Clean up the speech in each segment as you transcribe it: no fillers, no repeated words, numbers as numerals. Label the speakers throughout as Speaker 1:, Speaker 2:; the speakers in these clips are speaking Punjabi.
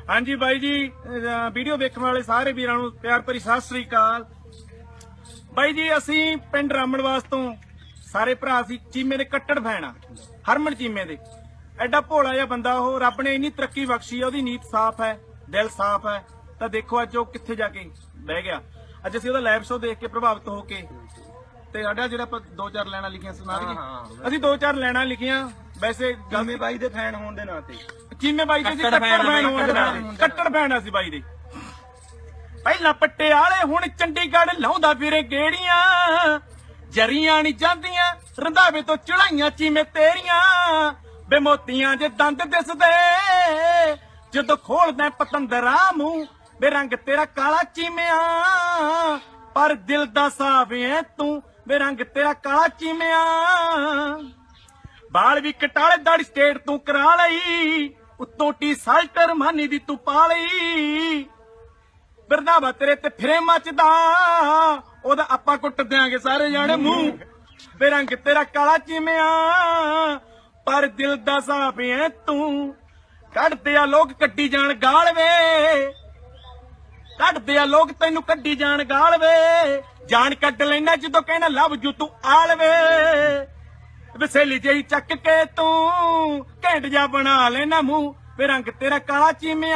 Speaker 1: ਹਾਂਜੀ ਬਾਈ ਜੀ, ਵੀਡੀਓ ਦੇਖਣ ਵਾਲੇ ਸਾਰੇ ਵੀਰਾਂ ਨੂੰ ਪਿਆਰ ਭਰੀ ਸਤਿ ਸ੍ਰੀ ਅਕਾਲ। ਬਾਈ ਜੀ ਅਸੀਂ ਪਿੰਡ ਰਾਮਣਵਾਸ ਤੋਂ ਸਾਰੇ ਭਰਾ ਸੀ ਚੀਮੇ ਦੇ ਕੱਟੜ ਫੈਨ ਆ। ਹਰਮਨ ਚੀਮੇ ਦੇ ਐਡਾ ਭੋਲਾ ਜਿਹਾ ਬੰਦਾ ਉਹ, ਰੱਬ ਨੇ ਇੰਨੀ ਤਰੱਕੀ ਬਖਸ਼ੀ ਆ, ਉਹਦੀ ਨੀਤ ਸਾਫ਼ ਹੈ, ਦਿਲ ਸਾਫ਼ ਹੈ। ਤਾਂ ਦੇਖੋ ਅੱਜ ਉਹ ਕਿੱਥੇ ਜਾ ਕੇ ਬਹਿ ਗਿਆ। ਅੱਜ ਅਸੀਂ ਉਹਦਾ ਲਾਈਵ ਸ਼ੋਅ ਦੇਖ ਕੇ ਪ੍ਰਭਾਵਿਤ ਹੋ ਕੇ ਤੇ ਸਾਡਾ ਜਿਹੜਾ ਆਪਾਂ 2-4 ਲਾਈਨਾਂ ਲਿਖੀਆਂ ਸੁਣਾ ਦਈਏ। ਅਸੀਂ 2-4 ਲਾਈਨਾਂ ਲਿਖੀਆਂ। ਵੈਸੇ
Speaker 2: ਚੀਮੇ ਬਾਈ ਦੇ ਫੈਨ ਹੋਣ ਦੇ ਨਾਤੇ,
Speaker 1: ਚੀਮੇ ਬਾਈ ਦੇ ਕੱਟੜ ਫੈਨ ਹੋਣ ਦੇ ਨਾਤੇ, ਕੱਟੜ ਫੈਨ ਅਸੀਂ ਬਾਈ ਦੇ। ਪਹਿਲਾਂ ਪਟਿਆਲੇ ਹੁਣ ਚੰਡੀਗੜ੍ਹ ਲਾਉਂਦਾ ਫਿਰੇ ਗੇੜੀਆਂ, ਜਰੀਆਂ ਨਹੀਂ ਜਾਂਦੀਆਂ ਰੰਧਾਵੇ ਤੋਂ ਚੜਾਈਆਂ ਚੀਮੇ ਤੇਰੀਆਂ। ਬੇ ਮੋਤੀਆਂ ਜੇ ਦੰਦ ਦਿਸਦੇ ਜਦੋਂ ਖੋਲਦਾ ਪਤੰਦਰਾ ਮੂੰਹ, ਬੇ ਰੰਗ ਤੇਰਾ ਕਾਲਾ ਚੀਮਿਆ ਪਰ ਦਿਲ ਦਾ ਸਾਫ ਐ ਤੂੰ, ਬੇ ਰੰਗ ਤੇਰਾ ਕਾਲਾ ਚੀਮਿਆ। ਬਾਲ ਵੀ ਕਟਾਲੇ ਦਾੜੀ ਸਟੇਟ ਤੂੰ ਕਰਾ ਲਈ, ਉੱਤੋਂ ਟੀ-ਸ਼ਰਟ ਰਮਾਨੀ ਦੀ ਤੂੰ ਪਾ ਲਈ। ਬਿਰਦਾਵਾ ਤੇਰੇ ਤੇ ਫਿਰੇ ਮੱਚਦਾ, ਉਹਦਾ ਆਪਾਂ ਕੁੱਟ ਦਿਆਂਗੇ ਸਾਰੇ ਜਾਣੇ ਮੂੰਹ। ਬੇ ਰੰਗ ਤੇਰਾ ਕਾਲਾ ਚੀਮਿਆ ਪਰ ਦਿਲ ਦਾ ਸਾਫ ਐ ਤੂੰ। ਕੱਢਦੇ ਆ ਲੋਕ ਕੱਢੀ ਜਾਣ ਗਾਲ ਵੇ, ਕੱਢਦੇ ਆ ਲੋਕ ਤੈਨੂੰ ਕੱਢੀ ਜਾਣ ਗਾਲ ਵੇ। ਜਾਨ ਕੱਢ ਲੈਣਾ ਜਦੋਂ ਕਹਿਣਾ ਲਵ ਜੂ ਤੂੰ ਆਲ ਵੇ। ਵਸੇਲੀ ਜਿਹੀ ਚੱਕ ਕੇ ਤੂੰ ਘੈਂਟ ਜਾ ਬਣਾ ਲੈਣਾ ਮੂੰਹ। ਵੇ ਰੰਗ ਤੇਰਾ ਕਾਲਾ ਚੀਮਿਆ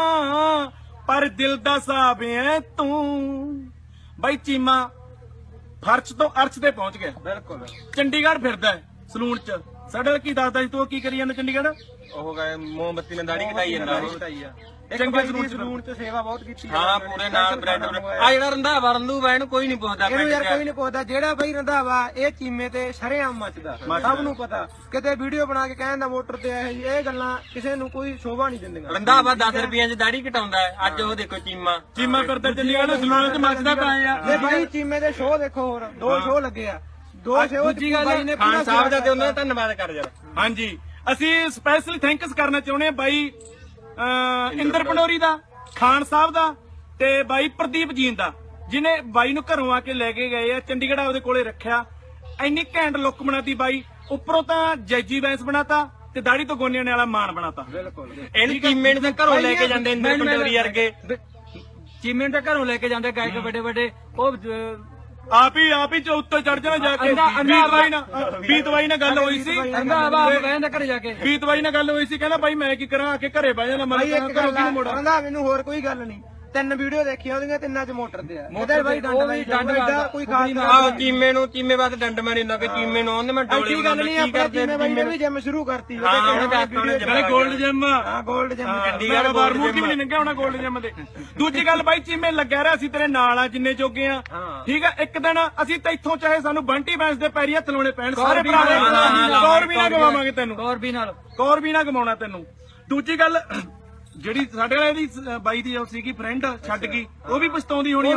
Speaker 1: ਪਰ ਦਿਲ ਦਾ ਸਾਫ ਐ ਤੂੰ। ਬਾਈ ਚੀਮਾ ਫਰਸ਼ ਤੋਂ ਅਰਸ਼ ਤੇ ਪਹੁੰਚ ਗਿਆ।
Speaker 2: ਬਿਲਕੁਲ
Speaker 1: ਚੰਡੀਗੜ੍ਹ ਫਿਰਦਾ ਸਲੂਨ ਚ। ਸਾਡੇ ਨਾਲ ਕੀ ਦੱਸਦਾ ਸੀ ਤੂੰ, ਕੀ ਕਰੀ ਜਾਂਦਾ ਚੰਡੀਗੜ੍ਹ?
Speaker 2: ਉਹ ਗਏ ਮੋਮਬੱਤੀ ਨਾਲ ਦਾੜੀ ਕਟਾਈ ਜਾਂਦਾ।
Speaker 1: ਚੰਗੇ
Speaker 2: ਸਲੂਨ ਚ ਸੇਵਾ ਬਹੁਤ ਕੀਤੀ।
Speaker 3: ਹਾਂ ਪੂਰੇ ਨਾਲ ਬ੍ਰੈਡ ਆ ਜਿਹੜਾ ਰੰਧਾਵਾ ਰੰਧੂਵਾ ਇਹਨੂੰ ਕੋਈ ਨਹੀਂ ਪੁੱਛਦਾ।
Speaker 4: ਇਹਨੂੰ ਯਾਰ ਕੋਈ ਨਹੀਂ ਪੁੱਛਦਾ। ਜਿਹੜਾ ਬਈ ਰੰਧਾਵਾ ਇਹ ਚੀਮੇ ਤੇ ਸ਼ਰੇਆਮ ਮੱਚਦਾ, ਸਭ ਨੂੰ ਪਤਾ। ਕਿਤੇ ਵੀਡੀਓ ਬਣਾ ਕੇ ਕਹਿੰਦਾ ਮੋਟਰ ਤੇ ਇਹ ਗੱਲਾਂ ਕਿਸੇ ਨੂੰ ਕੋਈ ਸ਼ੋਭਾ ਨਹੀਂ ਦਿੰਦੀਆਂ।
Speaker 3: ਰੰਧਾਵਾ 10 ਰੁਪਈਆਂ 'ਚ ਦਾੜੀ ਕਟਾਉਂਦਾ ਹੈ। ਅੱਜ ਉਹ ਦੇਖੋ ਚੀਮਾ
Speaker 1: ਫਿਰਦਾ ਚੰਡੀਗੜ੍ਹ ਸਲੂਨ ਚ ਮੱਚਦਾ ਪਿਆ
Speaker 4: ਤੇ ਬਾਈ ਚੀਮੇ ਦੇ ਸ਼ੋਅ ਦੇਖੋ, ਹੋਰ 2 ਸ਼ੋਅ ਲੱਗੇ ਆ। 2 ਸ਼ੋਅ
Speaker 1: ਦੂਜੀ ਗੱਲ
Speaker 4: ਬਾਈ ਨੇ
Speaker 3: ਖਾਨ ਸਾਹਿਬ ਦਾ ਤੇ ਉਹਨਾਂ ਦਾ ਧੰਨਵਾਦ ਕਰ ਯਾਰ।
Speaker 1: ਹਾਂਜੀ ਅਸੀਂ ਸਪੈਸ਼ਲੀ ਥੈਂਕਸ ਕਰਨਾ ਚਾਹੁੰਦੇ ਹਾਂ ਬਾਈ ਇੰਦਰ ਪੰਡੋਰੀ ਦਾ, ਖਾਨ ਸਾਹਿਬ ਦਾ ਤੇ ਬਾਈ ਪ੍ਰਦੀਪ ਜੀਨ ਦਾ, ਜਿਹਨੇ ਬਾਈ ਨੂੰ ਘਰੋਂ ਆ ਕੇ ਲੈ ਕੇ ਗਏ ਆ ਚੰਡੀਗੜ੍ਹ, ਉਹਦੇ ਕੋਲੇ ਰੱਖਿਆ। ਇੰਨੀ ਘੈਂਟ ਲੁੱਕ ਬਣਾਤੀ ਬਾਈ, ਉੱਪਰੋਂ ਤਾਂ ਜੈਜੀ ਬੈਂਸ ਬਣਾਤਾ ਤੇ ਦਾੜੀ ਤੋਂ ਗੋਨਿਆਂ ਵਾਲਾ ਮਾਨ ਬਣਾਤਾ।
Speaker 4: ਬਿਲਕੁਲ
Speaker 3: ਇਹਨੂੰ ਚੀਮੇ ਨੂੰ ਤਾਂ ਘਰੋਂ ਲੈ ਕੇ ਜਾਂਦੇ ਇੰਦਰ ਪੰਡੋਰੀ ਵਰਗੇ।
Speaker 4: ਚੀਮੇ ਨੂੰ ਤਾਂ ਘਰੋਂ ਲੈ ਕੇ ਜਾਂਦੇ ਗਾਇਕ ਵੱਡੇ ਵੱਡੇ। ਉਹ
Speaker 1: ਆਪ ਹੀ ਉੱਤੇ ਚੜ ਜਾਣਾ ਜਾ ਕੇ। ਬੀਤ ਬਾਈ ਨਾਲ ਗੱਲ ਹੋਈ ਸੀ,
Speaker 4: ਕਹਿੰਦਾ ਘਰੇ ਜਾ ਕੇ
Speaker 1: ਬੀਤ ਬਾਈ ਨਾਲ ਗੱਲ ਹੋਈ ਸੀ, ਕਹਿੰਦਾ ਬਾਈ ਮੈਂ ਕੀ ਕਰਾਂ, ਆ ਕੇ ਘਰੇ ਬਹਿ ਜਾਣਾ।
Speaker 4: ਬਾਈ ਇੱਕ ਗੱਲ ਕਹਿੰਦਾ ਮੈਨੂੰ ਹੋਰ ਕੋਈ ਗੱਲ ਨਹੀਂ। 3 ਵੀਡੀਓ ਦੇਖੀਆਂ ਉਹਦੀਆਂ, 3 ਚ ਮੋਟਰ ਤੇ ਆ। ਉਹਦੇ ਬਾਈ ਡੰਡ ਕੋਈ ਖਾਸ
Speaker 3: ਆਹ ਚੀਮੇ ਵਾਸਤੇ ਡੰਡ ਮਾਰੀ ਨਾ ਕਿ ਚੀਮੇ ਨੂੰ ਉਹਨੇ ਮੈਂ ਡੋਲੇ
Speaker 4: ਐਡੀ ਗੱਲ ਨਹੀਂ। ਆਪਣਾ ਚੀਮੇ ਬਾਈ ਨੇ ਵੀ ਜਿਮ ਸ਼ੁਰੂ ਕਰਤੀ।
Speaker 1: Gold gym.
Speaker 4: ਹਾਂ ਗੋਲਡ ਜਿਮ
Speaker 1: ਚੰਡੀਗੜ੍ਹ ਬਾਰਮੂਰ ਕੀ ਵੀ ਨਹੀਂ ਲੰਘਿਆ ਹੋਣਾ ਗੋਲਡ ਜਿਮ ਦੇ। ਦੂਜੀ ਗੱਲ ਬਾਈ ਚੀਮੇ ਲੱਗਿਆ ਰਿਹਾ, ਅਸੀਂ ਤੇਰੇ ਨਾਲ ਆ ਜਿੰਨੇ ਜੋਗੇ ਆ, ਠੀਕ ਆ। ਇੱਕ ਦਿਨ ਅਸੀਂ ਤਾਂ ਇੱਥੋਂ ਚਾਹੇ ਸਾਨੂੰ ਬੰਟੀ ਬੈਂਸ ਦੇ ਪੈਰੀ ਹੱਥ ਲਾਉਣੇ ਪੈਣ, ਸਾਰੇ ਭਰਾ ਕੌਰ ਵੀ ਨਾ ਗਵਾਵਾਂਗੇ ਤੈਨੂੰ, ਕੌਰ ਵੀ ਨਾ ਗਵਾਉਣਾ ਤੈਨੂੰ। ਦੂਜੀ ਗੱਲ ਜਿਹੜੀ ਸਾਡੇ ਵਾਲੇ ਦੀ ਬਾਈ ਦੀ ਸੀਗੀ ਫਰੈਂਡ ਛੱਡ ਗਈ, ਉਹ ਵੀ ਪਛਤਾਉਂਦੀ ਹੋਣੀ।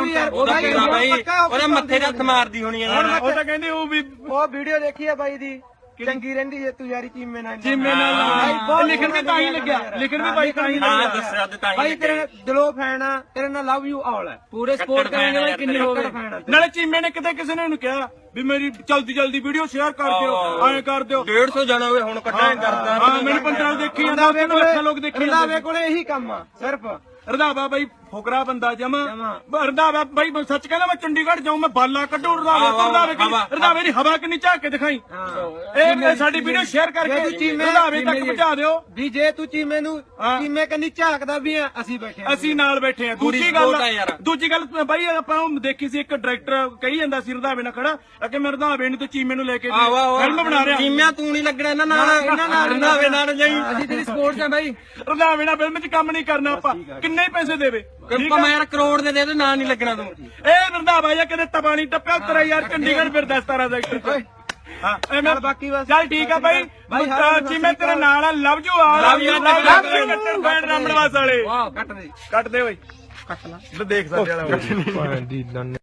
Speaker 3: ਉਹਦੇ ਮੱਥੇ ਤੇ ਹੱਥ ਮਾਰਦੀ ਹੋਣੀ ਆ।
Speaker 1: ਉਹ ਤਾਂ ਕਹਿੰਦੇ ਉਹ
Speaker 4: ਵੀਡੀਓ ਦੇਖੀ ਆ ਬਾਈ ਦੀ, ਚੰਗੀ ਰਹਿੰਦੀ ਜੇ ਤੂੰ ਯਾਰੀ ਚੀਮੇ ਨਾਲ।
Speaker 1: ਲਿਖਣ ਵੀ ਤਾਂ ਹੀ ਲੱਗਿਆ, ਲਿਖਣ ਵੀ ਬਾਈ ਤਾਂ ਹੀ ਲੱਗਿਆ।
Speaker 4: ਬਾਈ ਤੇਰੇ ਦਿਲੋਂ ਫੈਨ ਆ, ਤੇਰੇ ਨਾਲ ਲਵ ਯੂ ਆਲ ਹੈ। ਪੂਰੇ ਸਪੋਰਟ ਕਰਾਂਗੇ ਬਾਈ, ਕਿੰਨੇ ਹੋ ਗਏ।
Speaker 1: ਨਾਲੇ ਚੀਮੇ ਨੇ ਕਿਤੇ ਕਿਸੇ ਨੇ ਉਹਨੂੰ ਕਿਹਾ ਵੀ ਮੇਰੀ ਜਲਦੀ ਵੀਡੀਓ ਸ਼ੇਅਰ ਕਰ ਦਿਓ, ਐਂ ਕਰ ਦਿਓ।
Speaker 3: 150 ਜਾਣਾ ਹੋਵੇ ਹੁਣ ਕੱਢਾਂ ਕਰਦਾ।
Speaker 1: ਹਾਂ ਮੈਨੂੰ 15 ਦੇਖੀ ਜਾਂਦਾ, ਲੱਖਾਂ ਲੋਕ ਦੇਖੀ ਜਾਂਦੇ।
Speaker 4: ਰੰਧਾਵੇ ਕੋਲੇ ਇਹੀ ਕੰਮ ਆ ਸਿਰਫ।
Speaker 1: ਰੰਧਾਵਾ ਬਾਈ ਫੁਕਰਾ ਬੰਦਾ ਜਮਾ। ਰੰਧਾਵਾ ਬਾਈ ਸੱਚ ਕਹਿੰਦਾ ਮੈਂ ਚੰਡੀਗੜ੍ਹ ਜਾਊਂ, ਮੈਂ ਬਾਲਾ ਕੱਢੂ। ਰੰਧਾਵੇ ਦੀ ਹਵਾ ਕਿੰਨੀ ਝਾਕ ਕੇ ਦਿਖਾਈ। ਇਹ ਸਾਡੀ ਵੀਡੀਓ ਸ਼ੇਅਰ ਕਰਕੇ ਰੰਧਾਵੇ ਤੱਕ ਪਹੁੰਚਾ ਦਿਓ
Speaker 4: ਵੀ ਜੇ ਤੂੰ ਚੀਮੇ ਨੂੰ ਚੀਮੇ ਕੰਨੀ ਝਾਕਦਾ ਵੀ ਆ, ਅਸੀਂ ਬੈਠੇ ਆ,
Speaker 1: ਅਸੀਂ ਨਾਲ ਬੈਠੇ ਆ। ਦੂਜੀ ਗੱਲ ਬਾਈ ਆਪਾਂ ਉਹ ਦੇਖੀ ਸੀ, ਇੱਕ ਡਾਇਰੈਕਟਰ ਕਹੀ ਜਾਂਦਾ ਸੀ ਰੰਧਾਵੇ ਨਾਲ ਖੜਾ ਕਿ ਮੈਂ ਰੰਧਾਵੇ ਨੂੰ ਤੇ ਚੀਮੇ ਨੂੰ ਲੈ ਕੇ ਫਿਲਮ ਬਣਾ ਰਿਹਾ।
Speaker 3: ਚੀਮਿਆ ਤੂੰ ਨਹੀਂ ਲੱਗਣਾ ਇਹਨਾਂ ਨਾਲ, ਰੰਧਾਵੇ ਨਾਲ ਜਾਈ।
Speaker 4: ਅਸੀਂ ਤੇਰੀ ਸਪੋਰਟ ਆ ਬਾਈ।
Speaker 1: ਰੰਧਾਵੇ ਨਾਲ ਫਿਲਮ 'ਚ ਕੰਮ ਨਹੀਂ ਕਰਨਾ ਆਪਾਂ, ਕਿੰਨੇ ਪੈਸੇ ਦੇਵੇ।
Speaker 3: ਮੈਂ ਯਾਰ ਕਰੋੜ ਦੇ ਦੇ ਨਾਂ ਨਹੀਂ ਲੱਗਣਾ ਤੂੰ।
Speaker 1: ਇਹ ਰੰਧਾਵਾ ਜਾਂ ਕਿਤੇ ਤਪਾ ਨਹੀਂ ਟੱਪਿਆ ਤੇਰਾ ਯਾਰ, ਚੰਡੀਗੜ੍ਹ ਫਿਰਦਾ 17 ਸੈਕਟਰ। ਹਾਂ ਬਾਕੀ ਬਸ ਚੱਲ ਠੀਕ ਆ ਬਾਈ। ਚੀਮੇ ਤੇਰੇ ਨਾਲ ਆ, ਲਵ ਯੂ ਆਲ। ਰਾਮਣਵਾਸ ਵਾਲੇ ਕੱਟ ਦੇ ਓਏ, ਕੱਟ ਲਾ ਦੇਖ ਸਾਡੇ ਵਾਲਾ।